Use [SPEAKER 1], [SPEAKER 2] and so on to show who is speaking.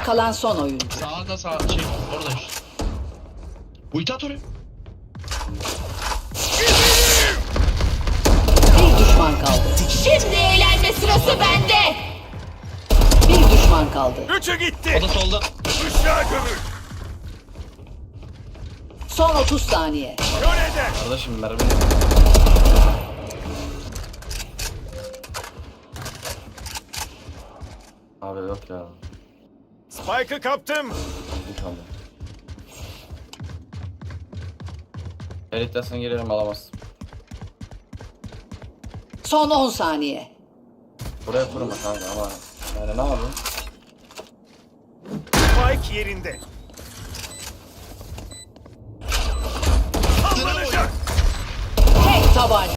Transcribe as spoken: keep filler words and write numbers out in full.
[SPEAKER 1] Ayakta kalan son oyuncu.
[SPEAKER 2] Sağda sağ şey orada işte. Ulti at oraya.
[SPEAKER 1] Bir düşman kaldı.
[SPEAKER 3] Şimdi eğlenme sırası bende.
[SPEAKER 1] Bir düşman kaldı.
[SPEAKER 4] Üçü gitti.
[SPEAKER 2] O da solda.
[SPEAKER 4] Işığa gömül.
[SPEAKER 1] Son otuz saniye.
[SPEAKER 4] Kör eder.
[SPEAKER 5] Kardeşim mermi. Abi yok ya.
[SPEAKER 4] Spike'ı kaptım.
[SPEAKER 5] Bir kaldı. Elit desen gelirim alamazsın.
[SPEAKER 1] Son on saniye.
[SPEAKER 5] Buraya kurma kanka ama. Yani ne yapayım?
[SPEAKER 4] Spike yerinde. Sallanacak.
[SPEAKER 1] Tek tabanca.